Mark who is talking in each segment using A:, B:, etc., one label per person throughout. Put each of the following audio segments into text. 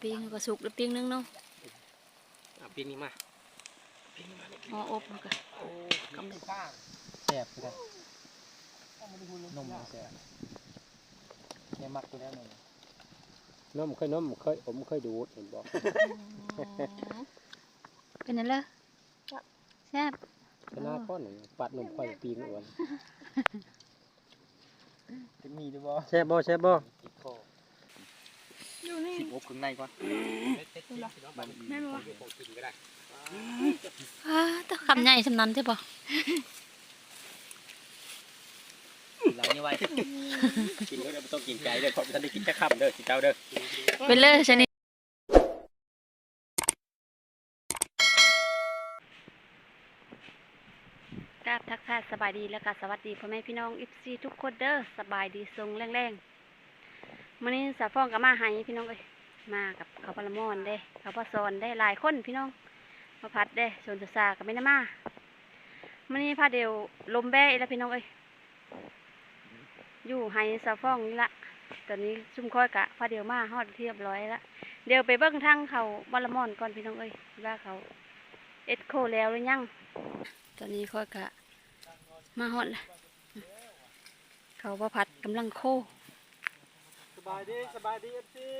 A: ปิ้งก็สุกแล้วปิ้งนึงเนาะ
B: ปิ้งนี่มา
A: อ๋ออบมันก็
B: กำลังป้าแสบเลยนมแสบเนี่ยมักตัวแล้วนมเคยผมเคยดูเห็นบอก
A: เป็นนั่นเลยแซ่บ
B: ชนะก้อนหนึ่งปัดนมค่อยปิ้งอ้วนจะมีด้วยบ่แซ่บบ่
A: อยู่นี่
B: สิบอบข้างในก่อน
A: แม่บอกต้องคำใหญ่สำนันใช่ปะ
B: หลังนี่ไว้กินก็ไม่ต้องกินใจเลยเพราะท่านได้กินแค่คำเด้อกินเจ้าเด้อ
A: เป็นเลยชนิดกราบทักทายสบายดีแล้วก็สวัสดีพ่อแม่พี่น้องFCทุกคนเด้อสบายดีทรงแรงๆวันนี้สาฟ้องกับมาให้พี่น้องเลยมากับเขาปลาหมอนเด้เขาปลาซอนได้หลายคนพี่น้องมาพัดเด้ชนซากับไม่น้ามาวันนี้พาเดียวลมแบ่แล้วพี่น้องเอ้ยอยู่ให้สาฟ้องนี่ละตอนนี้ซุ่มค่อยกะพาเดียวมาฮอดเรียบร้อยละเดี๋ยวไปเบิ้งทางเขาปลาหมอนก่อนพี่น้องเอ้ยว่าเขาเอ็ดโคแล้วหรือยังตอนนี้ค่อยกะมาฮอดละเขาว่าพัดกำลังโค
B: สบายดีเอฟซี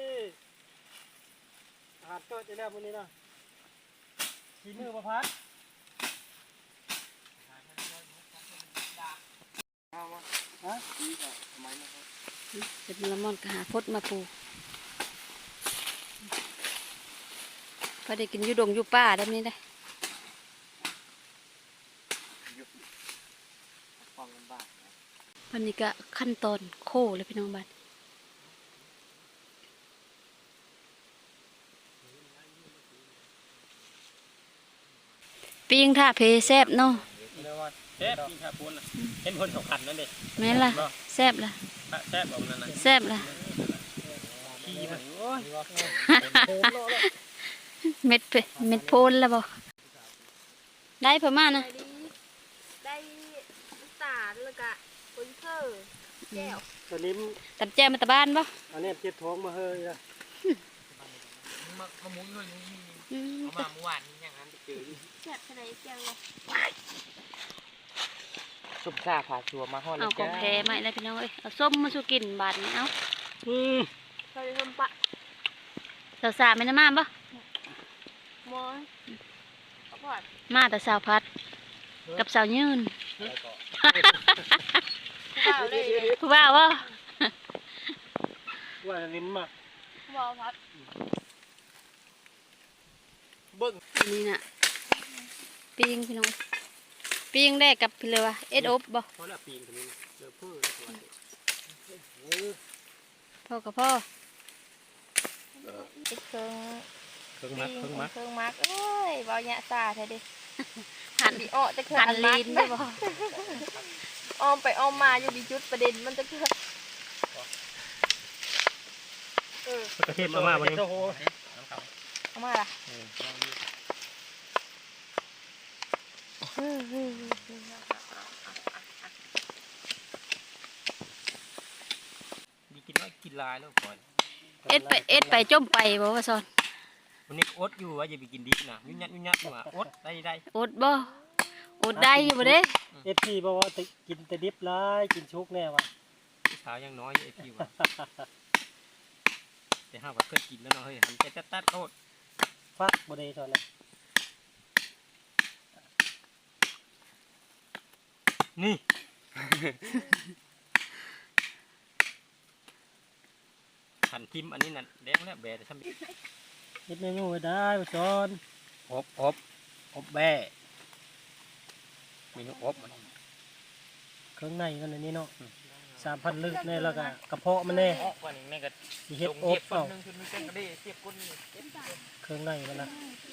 B: อาหารเกิดได้แล้ววันนี้นะชีมือประพัดฮะทำไมนะครับ
A: เป็นละมอนกะหาพดมาปูพอได้กินยูดงยูป้าได้ไหมได้วันนี้ก็ขั้นตอนโคเลยพี่น้องบ้านปิ้งท่าเพแซบเนาะ
B: แซ่บปิ้งท่าพูนเห็นพูนสองขันนั่นเด็
A: แม่ล่ะแซบล่ะ
B: แซ่บแบบนั้นนะ
A: แซบล่ะเม็ดโพนแล้วบ่ได้ประมาณนะ
C: ได้น้ำตาลแล้วก็ปุ้นเซอร์แก้ว
B: ตัวนี้
A: ตัดแจมาตะบ้านบ่
B: อันนี้เจ็บท้องมาเฮ้ยนะมามุ้งเลยมาเมื่อวานนี้อย่างนั้นไปเจอ
C: แซ่บทะเลแก้วเลย
B: ซุปซาผ่าชัวมาห่อเลย
A: จ้าเอาของแท้มาแล้วพี่น้องเอ้ยเอาส้มมาสู่กินบาดนี้เอา
C: เราจะทำปะ
A: สาวๆไม่ได้มาบ่
C: มอน
A: มาแต่สาวพัดกับสาวยืนผู้บ่าวบ่
B: ว่าลิ้นมา
C: บ่าวพัด
B: เบิ้ง
A: นี่น่ะปิ้งพี่น้องปิ้งได้กับพี่เลยว่าเอ็ดอบบ่
B: เพราะละปิ้งตัวนี้เจอเพื่อ
A: พ่อกับพ่อ
C: เครื่องมักเอ้ยบ่าวหยะซาแท้ดิหันดิอ้อจะคือ
A: หันลีนได้บ่
C: อ้อมไปอ้อมมาอยู่ดีจุดประเด็นมันจะคือ
B: กระเทียมมาวันนี้
C: เอามาล่ะ
B: มีกินน้อยกินลายแล้วก่อน
A: เอ็ดไปจมไปบ่ว่าซอน
B: วันนี้อดอยู่ว่าอย่าไปกินดิบนะยุ่งยักอยู่อ่ะอดได้
A: อดบ่อดได้อยู่บ่เด้
B: FCบอกว่ากินแต่ดิบร้ายกินชุกแน่ว่ะสาวยังน้อยFCว่ะแต่ห้าว่าเคยกินแล้วเนาะเฮ้ยหันใจตัดโทษฟักบ่ได้ตอนนั้นนี่หันทิมอันนี้นั่นแดงแล้วแบะทำเฮ็ดเมนูไว้ได้จอนอบแบะเมนูอบมันเครื่องในกันอันนี้เนาะ3,000 ลึกแน่แล้วก็กระเพาะมันแน่สิเฮ็ดอบเปล่าเครื่องในมันนะ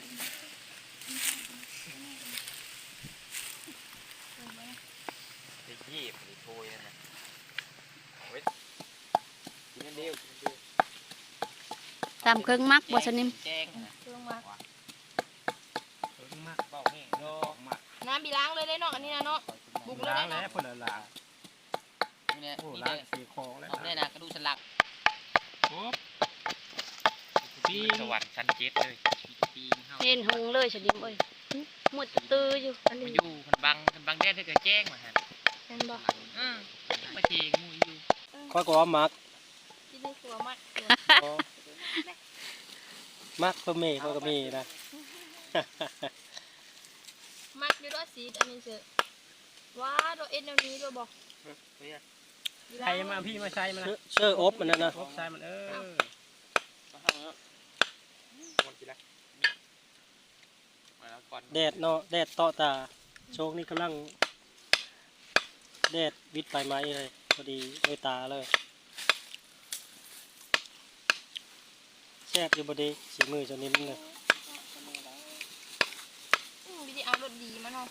A: ตามเครื่องมักบ่สนิม
C: เครื่องมักน้ำบีล้างเลยได้เนาะอันนี้นะเนาะบุกเลยได้เนาะ
B: คนละล้าง
D: นี่ล้างสีคอแล้วนี่นะกระดูกสันหลัง
B: ปิ้ง
D: สวรรค์ชั้นเจ็ดเลยปีนเฮา
A: เห็นหงเลยฉดิมเอ้ยหมดตื้ออยู่อัน
D: มา
A: นี้
D: อยู่คันบังแดดเธอก็แจ้งมาฮะ
C: เห็นบ่
D: มาเจงมูอยู่
B: ข้อยก็ว่ามัก
C: ที่นี่ตัวมัด
B: มักก็มีข้อยก็มีนะ
C: มัดอยู่ด้วยสีอันนี้เสือว้าตัวเอ็นแนวนี้ด้วยบอก
B: ใครมาพี่มาใช้มันนะเชื่ออบมันนั่นนะ
D: อบใส่มัน
B: แดดเนาะแดดเตาะตาโชคนี่กำลังแดดวิดไปไม้เลยพอดีด้วยตาเลยแซ่บอยู่บดีสีมือเจานิ่มเลย
C: วิธีเอารสดีมาเนาะ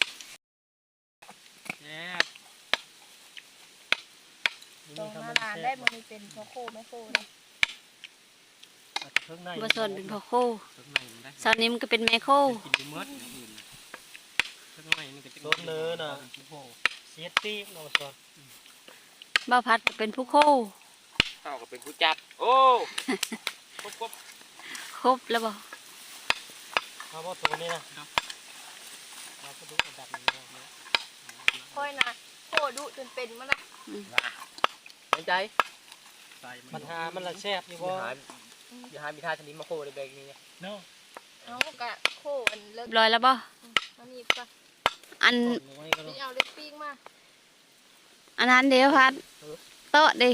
D: แซ่บ
C: ตรงหน้าร้านได้มันมีเป็นพ่อโคแม่โคเลย
A: บ่สอนเป็นพ่อโค
D: ข้างในมันได้
A: สอนนิ่มก็เป็นแม่โค
D: กินดูเมื่ออื่นข้างในมันก็จะ
B: รสเนื้อน่ะเสียตีเนาะสอน
A: บ่าวพัดก็เป็นผู้โค
D: เฮาก็เป็นผู้จับโอ้ครบ
A: ครบแล้วบ่
B: เอาว่าตัวนี้นะเราก็ดูอันดับนี้นะ
C: ค่อยนะโคดุจนเป็นมันนะ
D: สนใจ
B: ใส่มันหามันละแซ่บอยู่บ่
D: อย่าหามีท่าชนิดมาโคในแบงนี้
B: เนาะ
C: เอากะโคอันเลิก
A: เรียบร้อยแล้วบ่
C: มันมีปะ
A: อัน
C: วิธีเอาเล็กปิ้งมา
A: อันนั้นเดี๋ยวพัดโต๊ะดิ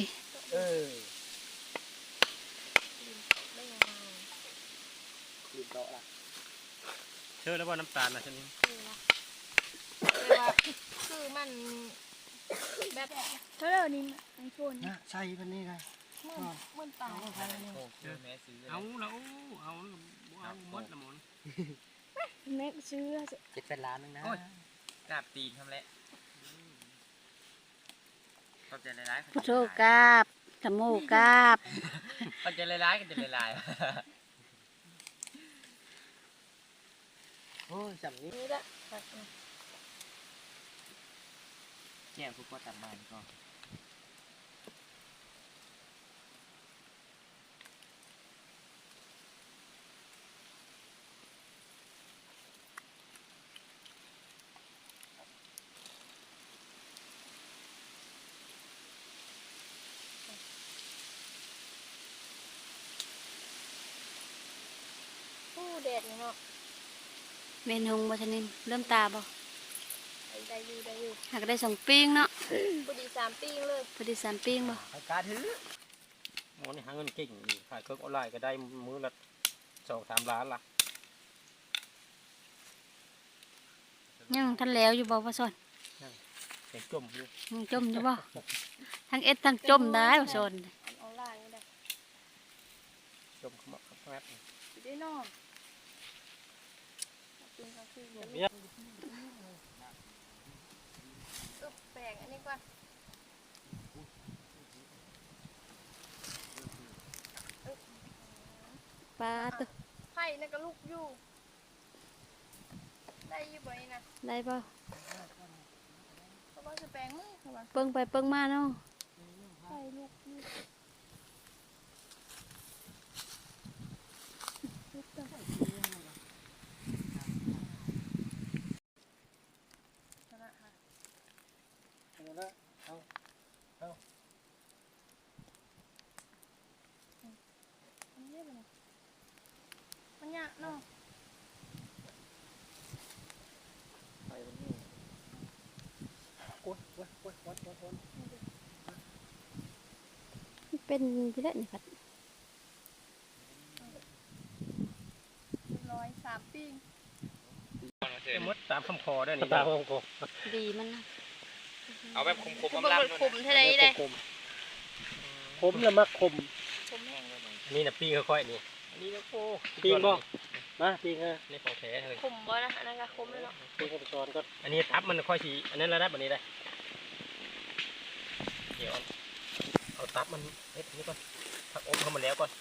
C: ได้ยังไง
D: ลืมโต๊ะละ
B: เชื่อแล้วว่าน้ำตาลนะชนิด
C: คือมันแบบ
E: เท่าไหร่นี่ไอโฟน
B: นะใช่มันนี่ไง
C: มันตาย
D: โอ้เจอแม่ซื้อ
B: เอาแล้วเอาหมดละหมด
E: แม็กซื้อ
D: 7-8 ล้านนึงนะกราบตีนทำแล้วเข้าใจหลายๆ
A: พุทโธกราบธรรมโมกราบ
D: เข้าใจหลายๆกันจะหลาย
B: โอ้ยจำนี้
C: นี่ละ
D: ๆแก้วพวกก็ตัดมาก็
C: ผู้แดดเนาะ
A: เมนหงบ่ชนิดเริ่มตาบ่
C: ได้อยู่
A: หากได้สองปิ้งเนาะ
C: พอดี3ปิ้งเลย
A: พอดี3ปิ้งบ่
D: เอาการถือ
B: หมอนี่หาเงินเก่งอยู่ขายเครื่องออนไลน์ก็ได้มื้อละ2-3 ล้านละ
A: ยังทันแล้วอยู่บ่ว่าสอน
B: เก่งจมอยู่
A: ยังจมอยู่บ่ทั้งเอ็ดทั้งจมได้ว่าสอน
C: ออนไลน์ก็ได้
B: จมขมักขมับ
C: สิได้นอนปิ้งก็คือแป้งอันนี้ก่อน
A: ปลาตึก
C: ไผ่นั่นก็ลูกอยู่ได้อยู่บ่นี่นะ
A: ได้บ่
C: เขาบอกจะแปลงมือเขาว่า
A: เปิ้งไปเปิ้งมาเนาะ
C: ไผ่ลูกอยู่ชนะค่ะ
B: เอาละเอา
C: มันเรียบเลยมันยากเนาะ
B: กดวัด
A: เป็นพี่เล่นนี่ครับ
C: เรียบร้อย3ปิ้ง
B: หมดตามคำขอได้นี่ตามคำขอ
A: ดีมันนะ
D: เอาแบบคม
C: คือ
D: ๆ
C: บ่
D: ลำ
C: มัน
D: ๆ
C: ขมเท่าใดได้
B: คมละมักคม
C: ขมแห้งเลย
B: นี่นะปิ้งค่อยๆนี่
D: อันนี้ก็โอ้
B: ปิ้งบ่มาปิ้งฮะ
D: นี่ของแท้เลย
C: ขมบ่นะอันนั้นก็ขมเลยเนาะ
B: ปิ้งกับช้อนก็อันนี้ทับมันค่อยสีอันนั้นแล้วได้แบบนี้ได้เดี๋ยวเอาทับมันเฮ็ดอันนี้ก่อนทักอมเข้ามาแล้วก่อน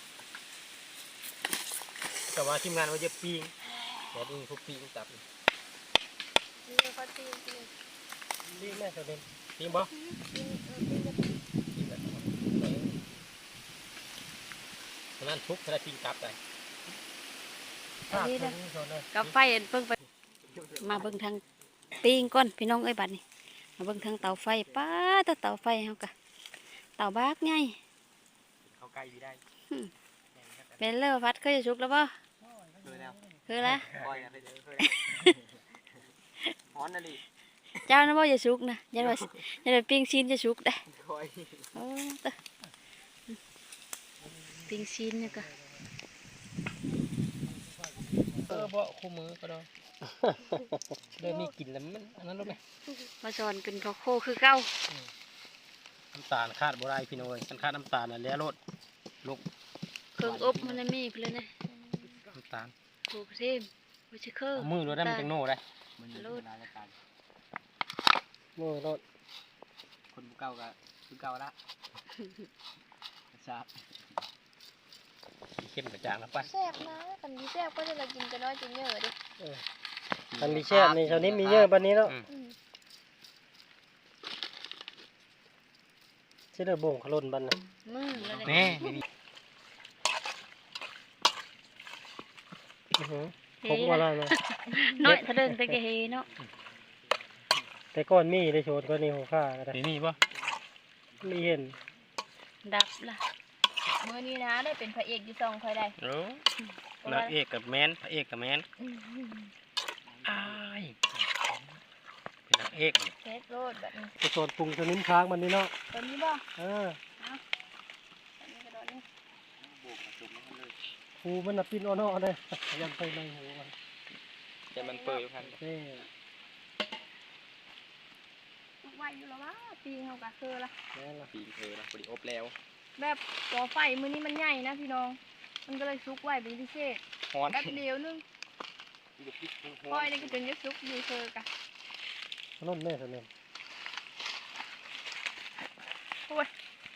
B: แต่ว่าทีมงานว่าจะปิ้งแต่นี่พวกปิ้งตับ
C: นี่ก็ปิ้ง
B: ปิ้งแม่ตัวเด่นปิ้งบ่
C: ปิ้งปิ้ง
B: มันนั่นทุกกระทิงกลับเลย
A: อันนี้นะกับไฟเพิ่งไปมาเบิ่งทางปิ้งก่อนพี่น้องเอ้ยบัดนี้มาเบิ่งทางเตาไฟป้าเตาไฟเฮากะเตาบากไง
D: เข้าใกล้ดีได้
A: เป็นเลอพัดเคยจะชุกแล้วป่ะ
D: เคยแล้ว
A: คือแล้ว
D: ปล่อยอะไรเดี๋ยวเคยฮ้อนนะลิ
A: เจ้านะบ่จะชุกนะอย่าว่าปิ้งชิ้นจะชุกได้
D: คอย
A: โอ้ตะปิ้งชิ้นเนี่ยก็
B: บ่คู่มือก็ได้เริ่มมีกลิ่นแล้วมันอันนั้นรู้ไหม
A: มาสอนกินข้าวโคคือเก้า
B: น้ำตาลคาดบ่ได้พี่น้อยกันคาดน้ำตาลน่ะแล้วรสลูก
A: เครื่องอบมันมีเพื่อนนะ
B: น้ำตาล
A: โคกระเทมวิชิเคอร์
B: เอามือรสได้มันจังโน่ได้
D: มันอยู่นานแล้วกัน
B: มือรส
D: คนผู้เก่าก็คือเก่าละทราบ
B: เข้มกระจางแล้วไป
C: แซ่บนะกันดีแซ่บก็จะมากินจะน้อยจะเยอะดิ
F: มันมีแช่ในชาวนี้มีเยอะปันนี้เนาะ
C: อืม
F: เชื่อบ่งขลุ่นบันนะ
A: มือแล้ว
B: แน่
F: ผมว่าอะไรมา
A: น้อยทะเดินตะเกเฮเนาะ
F: แต่ก้อนมีได้โชดก้อนนี้หัวข้าก็ได้
B: นี่มีป่ะ
F: มีเห็น
A: ดับละ
C: มื้อนี้นะได้เป็นพระเอกอยู่ซองคอยได้
B: โอ้นางเอกกับแมนพระเอกกับแมนอ้ายเป็นนางเอกนี่
C: เทสโรดแบบนี้
F: ไปโซนปรุงชนิดค้างมันนี่เนาะ
C: ตัวนี้บ่
F: เออ
C: อันนี้กระโดดนี่
F: หูมันน่ะปิ้นอ้อๆเลยยังไปในหูมัน
D: แต่มันเปิดอยู่ครับ
F: เน่
C: ไหวอยู่แล้ววะปีเฮากะคือละ
F: แน่ละ
D: ปีนเธอนะพอดีอบแล้ว
C: แบบก่อไฟมื้อนี้มันใหญ่นะพี่น้อง มันก็เลยซุกไว้เป็นพิเศษ
D: ฮ้อน
C: แป๊บเดียวนึง
D: อยู่พริกฮ้
C: ค
D: อ
C: อย
D: น
C: นี่ก็จนจะซุกอยู่เธอกะ
F: ขลุ่นแม่สนิท
C: โอ้ย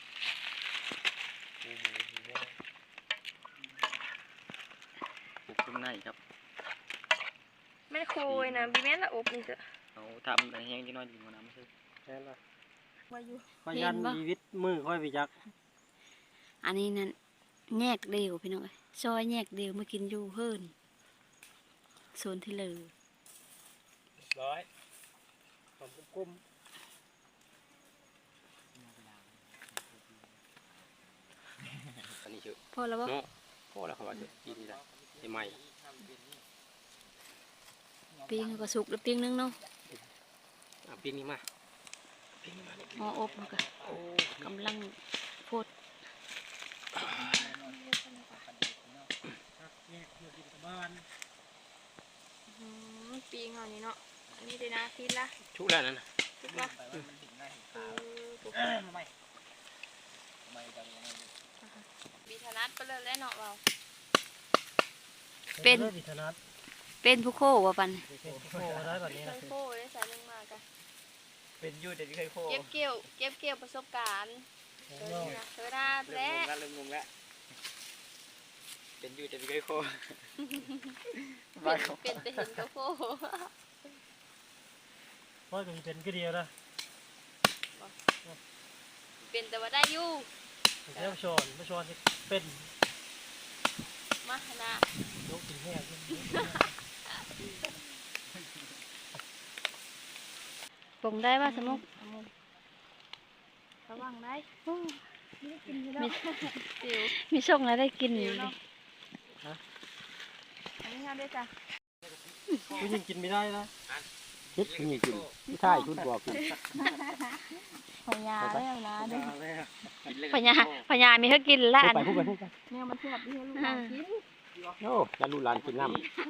D: ปลูกต้นในครับ
C: แม่โคยนะบีแม่นละอบนี่จ้ะ
D: เอาทำอะไรแห้งที่น้อยดีกว่าน้ำไม่ใช่
F: แน่ละ
C: มาอยู่
F: พยันชีวิตมือค่อยไปจัก
A: อันนี้นั่นแยกเดียวพี่น้องเอ้ยซอยแยกเดียวมากินอยู่เฮิรนโซนที่เลย
B: ร้อย
F: ผมกุ้ม
D: อันนี้ชื่อ
A: พอแล้วบ่
D: เนาะพอแล้วเขาว่าจะกินได้ได้ไหม
A: ปิ้งก็สุกแล้วปิ้งนึงเนาะ
D: อ่ะปีนี้มา
A: หม้ออบมันก็กำลังโพด
C: ปีเฮานี่เนาะอันนี้เลยนะทีละ
B: ชุกแล้วนั่นน่ะ
C: ทุกละบีธนัดไปเลยแล้วเนาะเรา
A: เป็น
F: วิทนัท
A: เป็นผู้โคว่าปัน
F: โอ้ได้แบบนี้
C: เค
F: นะ
C: ยโค้ได้ใส่ลงมากัน
D: เป็นยูแต่ที่เคยโค
C: เก็บเกี่ยวประสบการณ์เธอหน้า
D: เริ่
C: และ
D: มงงแล้วเริ่มงงแล้วเป็นยูแต่ที่เคยโค
C: เป็นแต่เห็นก็โค้
F: เพราะจะเป็นก็เดียวนะ
C: เป็นแต่ว่าได้อยู่
F: แล้วชอนไม่ชอนเป็น
C: มานะ
F: ยกถึงแห้ง
A: ปรุงได้ว่าสมุก
C: ระวังได้
A: มี
C: สิว
A: มีช่องอะไรได้กิน
C: สิ
A: อยู่
C: ว
A: ดิ
C: เนาะอันนี้ค่ะด้วยจ้ะ
F: ผู้หญิงกินไม่ได้นะ
B: คิดคุณยิ่งกินไม่ใช่คุณบอกกิน
C: พยาแล้วนะด้วย
A: พญามีให้กินละอัน
B: พูดไปพูดไป
C: เนี่ยมันเทียบที่ให้ลูกหลานกิน
B: โอ้แล้วลูกหลานกินน้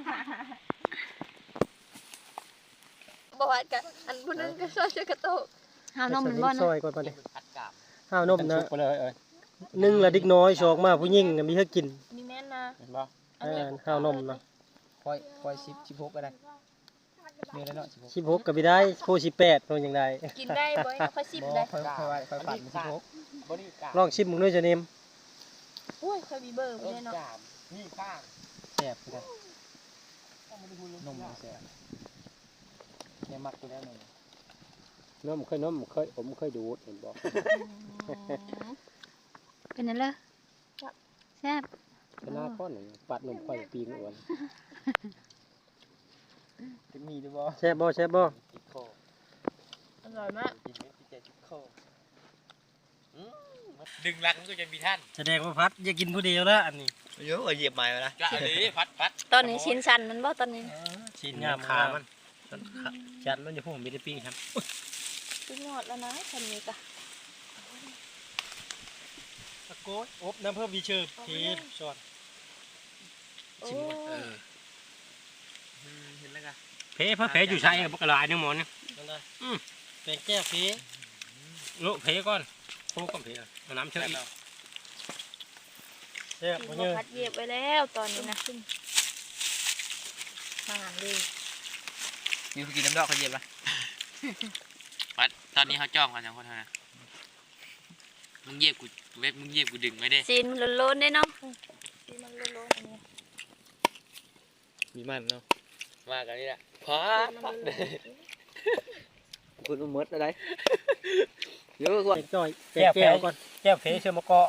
C: บอกว่ากันอันผู้นึงก็ช่วยกระโตก
A: ห้าวนมมันบ่
F: ซ
A: นะ
F: อยก่อนไปดิ
D: อัดกาบ
F: ห้าวน
B: ำ
F: มนะ
B: ชุกไปเลย
F: นึ่งละดิกน้อยชอกมาผู้หญิงมีให้กิน
C: อันนี้แม่นนะ
B: เห็นป่ะ
F: ห้าวนมนะ
D: ค่อย16ก็ได้เดือนละเนาะ16
F: 16ก็ไม่ได้โพ18ตัวอย่างใด
C: กินได้บ่ค่อยสิบได้
D: ค่อยปั่น16บ่นี่กาบ
F: ลองชิมมึงด้วยจะเนม
C: โอ้ยค่อยมีเบอร์บ่ได้เนาะ
D: กาบนี่ข้าง
F: แซ่บเลย
D: นมแซ่บเนี่ยมักตัวแล้วนม
B: น้ำผมเคยดูดเห็นบอก
A: เป็นนั่นเลยแซ่บ
F: หน้าก้อนหนึ่งปัดนมข่อยปีนอ้วน
D: จะมีหรือบ่
F: แซ่บบ่แซ่บบ่
D: ติดคอ
C: อร่อยมาก
D: กินเม็ดที่ใจติดคอดึงรักมันก็จะมีท่าน
F: แสดงว่าพัดอย่ากินผู้เดียวแล้วอันนี้
D: เยอะเหยียบไม้มาละจะเอาดิพัด
C: ตอนนี้ชิ้นชันมันบ่ตอนนี้
F: ชิ้นงามขามันจัดมันอยู่พวกผมมีได้ปิ้งครับ
C: สุดยอดแล้วนะคันนี้ก็
F: ตะโกนอบน้ำเพิ่มวีเชอร์ทีช้อน
C: โอ้
D: เห็นแล้วกัน
B: เพอยู่ใช่บักกะลายนึงหมอนนี่
F: นั่นได้เป็นแก้วเพ
B: โลเพก่อนโคก่อนเพเอาน้ำเชื่ออีก
F: แซ่บ
C: กิ
F: บ่
C: น
F: เย
C: มา
F: อะ
C: พัดเย็บไว้แล้วตอนนี้นะมาหางเลย
D: มีกินน้ำดอกเขาเหยียบละพัดตอนนี้เขาจ้องกันอย่างคนเท่านั้นมึงเหยียบกูเว็บมึงเหยียบกูดึงไม่ได้
C: ซีนมันล้นๆได้เนาะซีนมันล้นๆอันนี้
D: มีมันเนาะมากันนี่แหละพัดคุณอุ้มมดอะไรเยอะกว่า
F: เป็นจ้อยเป็นแก้วก่อน
B: แก้วเพเชื่อมะกอ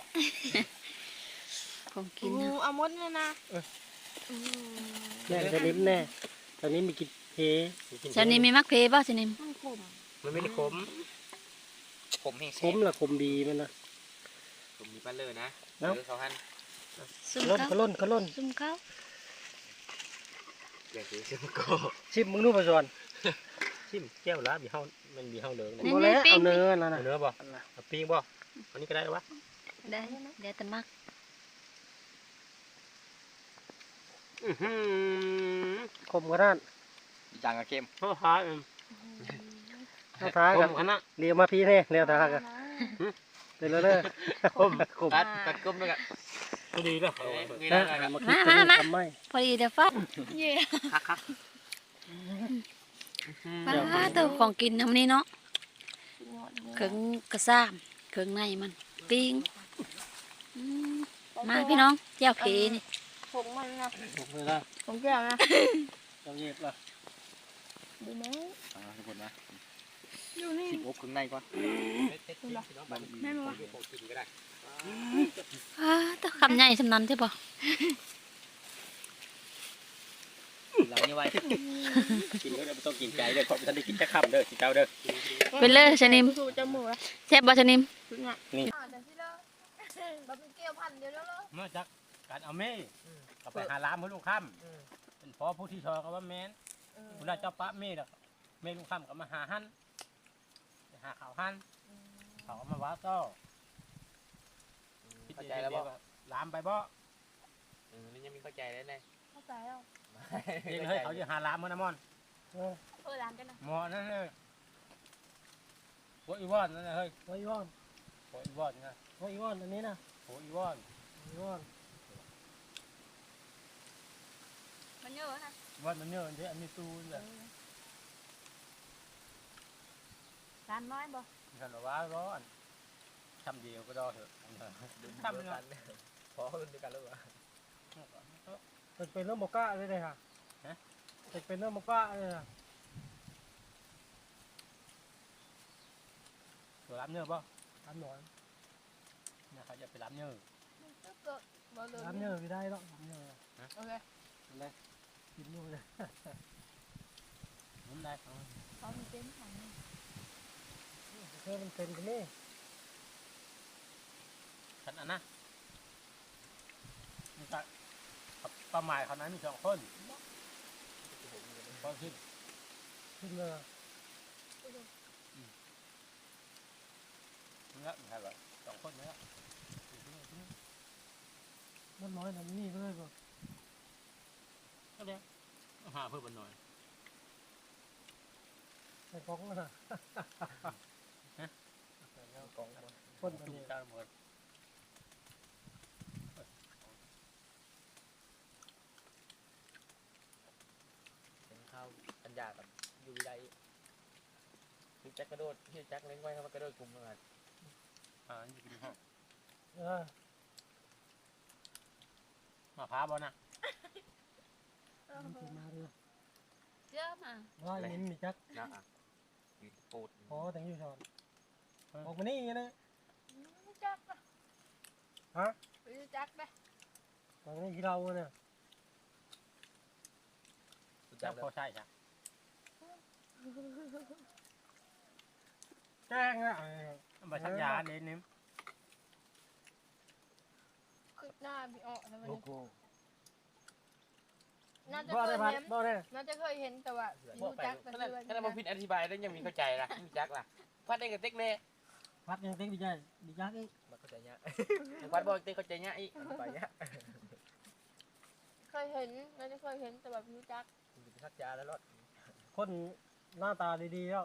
A: ของกิน
C: อู้
A: นะ
C: เอามดเลยนะ
F: แน่จะลิ้มแน่ตอนนี้มีกินเพ
A: ชนิมมีมักเพบ่ชนิม
C: มันขม
B: มันไม่ได้ขม
D: ผมเฮง
F: คมละคมดีมันนะ
D: ผมมีปั้นเลยนะ
F: เอ้า
D: เดี๋ยวเขาหัน
A: ซุ่ม
F: ล้น
A: เขา
F: ก็ล้นก็ล้น
A: ซุ่มเขา
D: อยากกินเชื่อมะกอ
F: ชิมมึงนู่นไปก่อน
B: ชิมแก้วละมีเฮามันมีเฮาเหลือง
F: บ่แล้วเอาเนื้อนั่น
B: เอา
F: น่ะ
B: เนื้อบ่เอาปิ้งบ่อันนี้ก็ได้หรอวะ
A: ได้เดี๋ยวแต่มัก
F: คมกระด้าน
D: จางกับเข้ม
B: เขาหา
F: เอาท้า
B: ผ
F: กัน
B: มคณะ
F: เรียวมาพี่แน่เรียวท้ากันเดี๋ยวเลยคมคม
D: ตัดก้มด้วยกัน
B: ก็ดีแล้ว
F: นะมาคิดกันนี่ทำไม
A: พอดีเดี๋ยวฟัด
C: เย่
D: คัก
A: ป้าตัวของกินน้ำนี้เนาะ
C: สุดยอด
A: เครื่องกระซ้ามเครื่องในมันปิ้งมาพี่น้องเจ้าเพนี่
C: ผงมันนะ
F: คมเลยนะ
C: ผงแก้วนะ
F: เจ้าเย็บละ
C: ดูไหม
D: ๆทุกคนนะ
C: อยู่นี่
D: สิบอกข้างในก่อน
C: แม่บอกว่า
A: ตัวคำใหญ่สำนันใช่ปะ
D: เราเนี่ยไว้
B: กินก็ได้ไม่ต้องกินไก่เด้อขอท่านได้กินแค่คำเด้อกินเจ้าเด้อ
A: เป็นเลยชนิม
C: สูจมูกอะ
A: แซ่บบ่ชนิม
C: สุดยอด
B: นี่
C: แต่ที่เลิกแบบเป็นเกี่ยวพันเดียวแล้ว
B: เมื่อจากการเอาเม่ก็ไปหาล้ามเพื่อลูกค่ำเป็นพอผู้ที่ชอก็ว่าแม่นเวลาเจ้าปะเม่แล้วเม่ลูกค่ำก็มาหาหั่นไปหาข่าวหั่นเขาก็มาว่าต่อล้ามไปบ่
D: นี่ยังมีเข้าใจแล้วไง
C: เข้าใจแล้ว
B: เองเฮ้ยเขาจะหาล้ามเมื่อนะมอน
C: ร้านกันนะ
B: หมอนั่นเลยโอ้อีวอนนั่นนะเฮ้ย
F: โอ้ยว่อน
B: โอ้อีวอนนะ
F: โอ้ยว่อนอันนี้นะ
B: โอ้อีวอน
F: โอ้ยว่อน
C: มันเยอะนะ
B: วอนมันเยอะอันนี้อันนี้ตู้เลย
C: ร้านน้อยบ่
B: ฉันว่าร้อนทำเดียวก็ได้เถอะทำเลย
D: พอรุ่นเดียวกันแล้วเหรอ
F: เป็นเรื่องโมก้าเลยเลยค่ะเป็นเรื่องโมก้าเลยค่ะ
B: ตัวรับเนื้อป่ะ
F: ทำหน่อย
B: เนี่ยเขาจะไปรับเนื้อ
C: บ่เลย
F: ทำเนื้อไม่ได้หรอกทำเนื้อ
C: โอเค
F: กินนู่นเลย
B: นุ่มได้
C: เขามีเต็นท์ของ
F: เพื่อมันเป็นกันนี่
B: ฉันอันนะมันจะประมาณเขานั้นมี2 คนพอขึ้น
F: ขึ้นเลย
B: นี่ใช่ป่ะ2 คนนี่ละ
F: มันน้อยทำนี่เลยป่ะ
B: ก็ได้หาเพิ่มหน่อย
F: ในกล่องน่ะคน
B: จุ่
F: นี้
B: มจานหมด
D: เป็นข้าวปัญญากับอยู่วิไลพี่แจ็คกระโดดพี่แจ็คเล้งไว้เขามากระโดดกลุ่มกัน
B: อยู่กินห้อง
F: เออ
B: มาพาบ่นะ
F: มันจะมาเลย
A: เยอะมา
F: ว่าลิ้นมีจัก
D: นะมีปูด
F: พอแต่งอยู่ชอนออกมานี่นะ
C: รู้จักปะ
F: ฮะ
C: รู้จักปะ
F: ตอนนี้ที่เราเนี่ย
B: จับพอใช่จ้ะ
F: แจ้งอ่ะ
B: มาชักยาเด่นนิ่ม
C: คือหน้าพี่อ้อนะมัน
F: โอ้โห
C: น่าจะ
F: บ่
C: เค
F: ได้
C: ย
F: พัด
C: เห็น
F: บ่ได้
C: น่าจะเคยเห็นแต่ว่ารู้จักแต่
D: ขนาด
C: เพื่อน
D: ขนาดบ่ผิดอธิบายแล้วยังมีเข้าใจล่ะมีจักล่ะพัดได้กับเต็กแน่
F: พัดยังเต็กดีใจดีจักอีก
D: มันเข้าใจยากพัดบ่เต็กเข้าใจยากอีกไปยาก
C: เคยเห็นน่าจะเคยเห็นแต่แบบรู้จัก
D: ชักยาแล้วรถ
F: คนหน้าตาดีๆแล้ว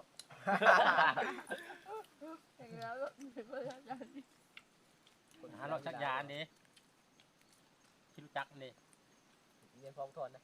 C: อย่างแล้วก็ไม่เคยทำอย่างนี้
B: หาเราชักยาเด้ที่รู้จักนี่
D: เรียนพร้อมทอนนะ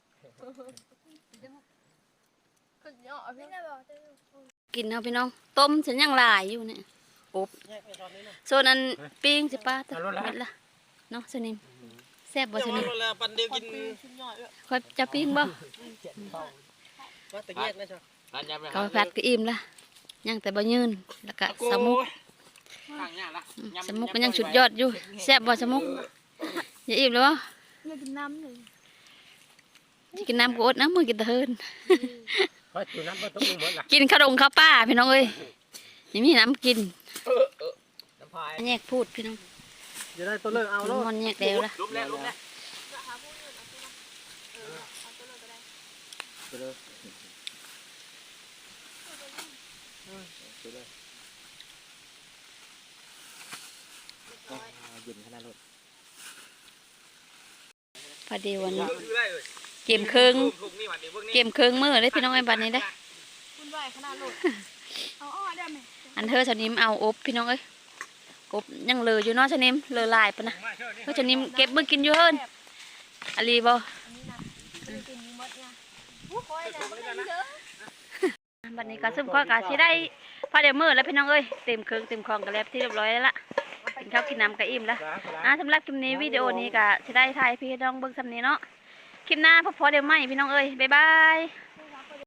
C: ก็เนาะพี่
A: กินเอาพี่น้องต้มฉันยังหลายอยู่เนี่ยอบ
F: แยกไปตอนนี้นะ
A: โซนอันปิ้งสิป้าตะเม็ดละเนาะสนิมแซ่บบ่สนิม
F: ปันเดียวกิน
C: ชิ้นย่อยด้วย
A: ค่อยจะปิ้งบ่
F: ว่าแต่แยกนะจ๊ะ
D: ร้านยำไป
A: ข้าวผัดก็อิ่มละยังแต่บ่ยืนแล้วก็สมุก
D: ข้างยากละ
A: สมุกมันยังสุดยอดอยู่แซ่บบ่สมุกอย่าอิ่มแล้วบ่
E: อยากกินน้ำเลย
A: สิกินน้ำก็อดนะมื้อกินแตะเฮิน
F: ไปอยู่น้ำไปต้มหมดละ
A: กินข้าวดงข้าวป้าพี่น้องเอ้ยยังมีน้ำกิน
D: น้ำพาย
A: แยกพูดพี่น้อง
F: จะได้ตัวเลิกเอาแล้ว
A: มันแยกแล้วละ
D: ลุมแล้วลุมแล้ว
F: เย็นขนาดรถ
A: พอดีวันนี้เกมเครื่องเกมเครื่องมือเลยพี่น้องไอ้บัดนี้เด้อ
C: คุณไหวขนาดหลุด
E: เอาอ้อได้ไหม
A: อันเธอชนิมเอาอบพี่น้องเอ้ยอบยังเหลืออยู่เนาะชนิมเหลือหลายปะนะเธอชนิมเก็บมือกินอยู่เฮินอะลีบ่
C: อันนี้นะไม่กินนี้หมดไงโอ้ยนะไม่ได้เยอะ
A: บัดนี้ก็ซุ่มข้อกะสิได้พอเดี๋ยวมือแล้วพี่น้องเอ้ยเต็มเครื่องเต็มของกันแล้วที่เรียบร้อยแล้วล่ะกินข้าวกินน้ำก็อิ่มแล้วสำหรับคลิปนี้วิดีโอนี้ก็สิได้ถ่ายพี่น้องเบิ่งสำนี้เนาะคลิปหน้าพบเดี๋ยวใหม่พี่น้องเอ้ยบ๊ายบาย